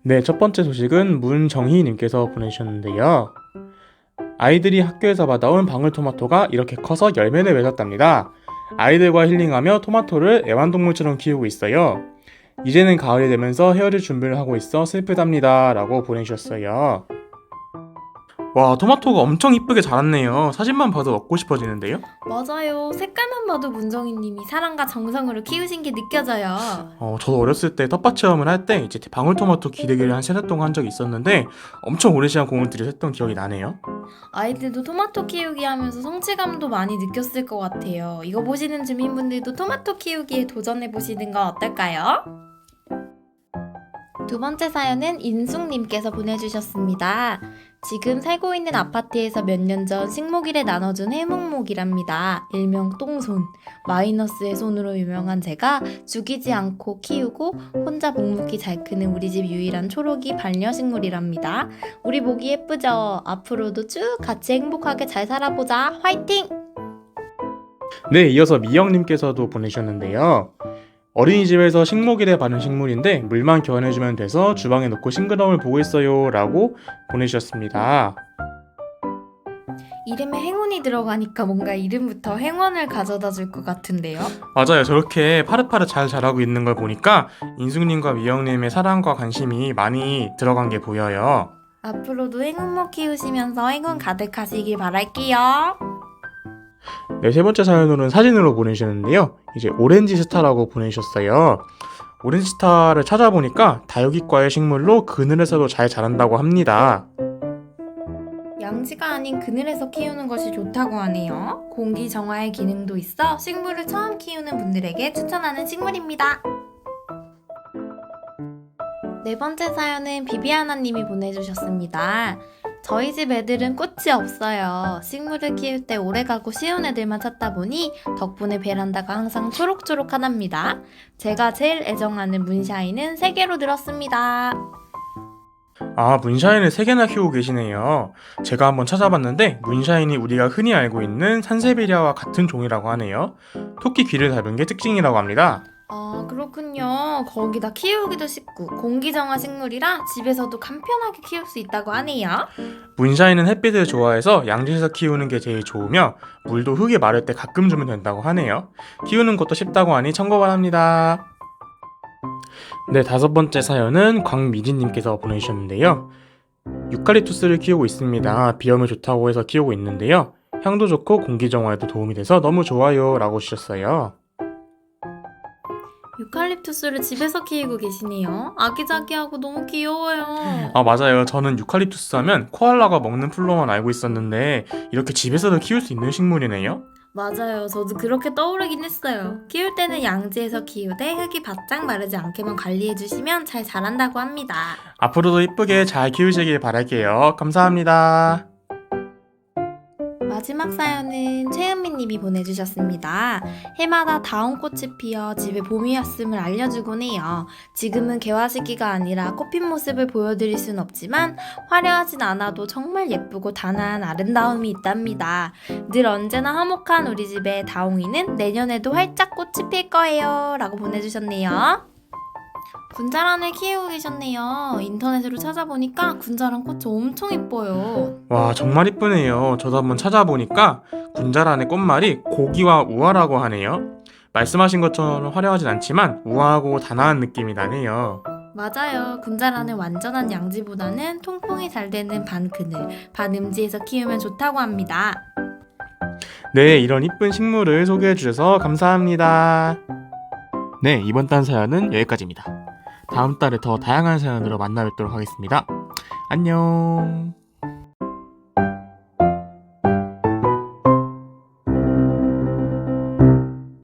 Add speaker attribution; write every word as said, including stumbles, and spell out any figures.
Speaker 1: 네, 첫 번째 소식은 문정희님께서 보내주셨는데요. 아이들이 학교에서 받아온 방울토마토가 이렇게 커서 열매를 맺었답니다. 아이들과 힐링하며 토마토를 애완동물처럼 키우고 있어요. 이제는 가을이 되면서 헤어질 준비를 하고 있어 슬프답니다. 라고 보내주셨어요. 와, 토마토가 엄청 이쁘게 자랐네요. 사진만 봐도 먹고 싶어지는데요?
Speaker 2: 맞아요. 색깔만 봐도 문정희님이 사랑과 정성으로 키우신 게 느껴져요.
Speaker 1: 어, 저도 어렸을 때 텃밭 체험을 할 때 이제 방울토마토 기르기를 한 세 달 동안 한 적이 있었는데 엄청 오랜 시간 공을 들여서 기억이 나네요.
Speaker 2: 아이들도 토마토 키우기 하면서 성취감도 많이 느꼈을 것 같아요. 이거 보시는 주민분들도 토마토 키우기에 도전해보시는 건 어떨까요? 두 번째 사연은 인숙님께서 보내주셨습니다. 지금 살고 있는 아파트에서 몇 년 전 식목일에 나눠준 해묵목이랍니다. 일명 똥손. 마이너스의 손으로 유명한 제가 죽이지 않고 키우고 혼자 묵묵히 잘 크는 우리 집 유일한 초록이 반려식물이랍니다. 우리 목이 예쁘죠? 앞으로도 쭉 같이 행복하게 잘 살아보자. 화이팅!
Speaker 1: 네, 이어서 미영님께서도 보내주셨는데요. 어린이집에서 식목일에 바른 식물인데 물만 교환해주면 돼서 주방에 놓고 싱그러움을 보고 있어요. 라고 보내주셨습니다.
Speaker 2: 이름에 행운이 들어가니까 뭔가 이름부터 행운을 가져다 줄 것 같은데요?
Speaker 1: 맞아요. 저렇게 파릇파릇 잘 자라고 있는 걸 보니까 인숙님과 미영님의 사랑과 관심이 많이 들어간 게 보여요.
Speaker 2: 앞으로도 행운목 키우시면서 행운 가득하시길 바랄게요.
Speaker 1: 네, 세 번째 사연으로는 사진으로 보내주셨는데요. 이제 오렌지 스타라고 보내주셨어요. 오렌지 스타를 찾아보니까 다육이과의 식물로 그늘에서도 잘 자란다고 합니다.
Speaker 2: 양지가 아닌 그늘에서 키우는 것이 좋다고 하네요. 공기 정화의 기능도 있어 식물을 처음 키우는 분들에게 추천하는 식물입니다. 네 번째 사연은 비비아나님이 보내주셨습니다. 저희 집 애들은 꽃이 없어요. 식물을 키울 때 오래가고 쉬운 애들만 찾다 보니 덕분에 베란다가 항상 초록초록하답니다. 제가 제일 애정하는 문샤인은 세 개로 들었습니다.
Speaker 1: 아, 문샤인을 세 개나 키우고 계시네요. 제가 한번 찾아봤는데 문샤인이 우리가 흔히 알고 있는 산세베리아와 같은 종이라고 하네요. 토끼 귀를 닮은 게 특징이라고 합니다.
Speaker 2: 아, 그렇군요. 거기다 키우기도 쉽고 공기정화 식물이라 집에서도 간편하게 키울 수 있다고 하네요.
Speaker 1: 문샤인은 햇빛을 좋아해서 양지에서 키우는 게 제일 좋으며 물도 흙이 마를 때 가끔 주면 된다고 하네요. 키우는 것도 쉽다고 하니 참고 바랍니다. 네, 다섯 번째 사연은 광미진님께서 보내주셨는데요. 유칼립투스를 키우고 있습니다. 비염에 좋다고 해서 키우고 있는데요. 향도 좋고 공기정화에도 도움이 돼서 너무 좋아요. 라고 주셨어요.
Speaker 2: 유칼립투스를 집에서 키우고 계시네요. 아기자기하고 너무 귀여워요.
Speaker 1: 아, 맞아요. 저는 유칼립투스 하면 코알라가 먹는 풀로만 알고 있었는데 이렇게 집에서도 키울 수 있는 식물이네요.
Speaker 2: 맞아요. 저도 그렇게 떠오르긴 했어요. 키울 때는 양지에서 키우되 흙이 바짝 마르지 않게만 관리해주시면 잘 자란다고 합니다.
Speaker 1: 앞으로도 이쁘게 잘 키우시길 바랄게요. 감사합니다.
Speaker 2: 마지막 사연은 최은미님이 보내주셨습니다. 해마다 다운꽃이 피어 집에 봄이 왔음을 알려주곤 해요. 지금은 개화 시기가 아니라 꽃핀 모습을 보여드릴 순 없지만 화려하진 않아도 정말 예쁘고 단아한 아름다움이 있답니다. 늘 언제나 화목한 우리 집의 다홍이는 내년에도 활짝 꽃이 필 거예요. 라고 보내주셨네요. 군자란을 키우고 계셨네요. 인터넷으로 찾아보니까 군자란 꽃이 엄청 예뻐요.
Speaker 1: 와, 정말 이쁘네요. 저도 한번 찾아보니까 군자란의 꽃말이 고기와 우아라고 하네요. 말씀하신 것처럼 화려하진 않지만 우아하고 단아한 느낌이 나네요.
Speaker 2: 맞아요. 군자란은 완전한 양지보다는 통풍이 잘 되는 반그늘, 반음지에서 키우면 좋다고 합니다.
Speaker 1: 네, 이런 이쁜 식물을 소개해 주셔서 감사합니다. 네, 이번 단 사연은 여기까지입니다. 다음 달에 더 다양한 사연으로 만나 뵙도록 하겠습니다. 안녕.